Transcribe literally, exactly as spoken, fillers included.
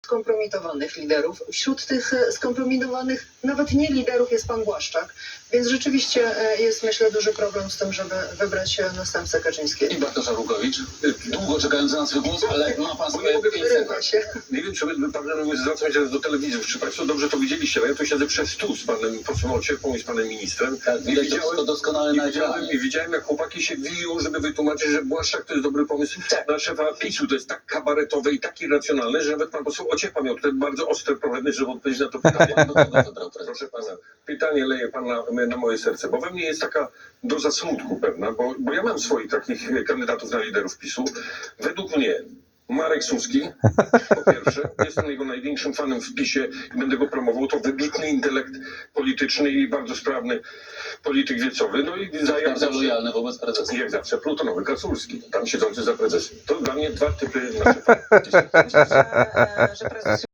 skompromitowanych liderów. Wśród tych e, skompromitowanych nawet nie liderów jest pan Błaszczak, więc rzeczywiście e, jest, myślę, duży problem z tym, żeby wybrać e, następcę Kaczyńskiego. I Bartosz Arłukowicz, długo czekający na swój głos, ale ma pan swoje pięć Wyrywa sekund. się. Nie wiem, czy by pan zwracam się do telewizów, czy państwo dobrze to widzieliście, ale ja tu siedzę przez stół z panem posłem Ociepą i z panem ministrem. Tak, widać to wszystko doskonale i na widziałem, ekranie. I widziałem, jak chłopaki się wiją, żeby wytłumaczyć, że Błaszczak to jest dobry pomysł na szefa PiSu. To jest tak kabaretowe i tak irracjonalne, że nawet pan poseł Ociepa miał tutaj bardzo ostre problemy, żeby odpowiedzieć na to pytanie. Do kogo wybrał prezes? Proszę pana, pytanie leje pan na, na moje serce, bo we mnie jest taka doza smutku pewna, bo, bo ja mam swoich takich kandydatów na liderów PiSu. Według mnie Marek Suski, po pierwsze, jestem jego największym fanem w PiSie i będę go promował. To wybitny intelekt polityczny i bardzo sprawny polityk wiecowy. No i za, jak Bardzo zawsze, lojalny wobec prezesa. jak zawsze plutonowy Kaculski, tam siedzący za prezesem. To dla mnie dwa typy na szefa. Myślę, że, e, że prezes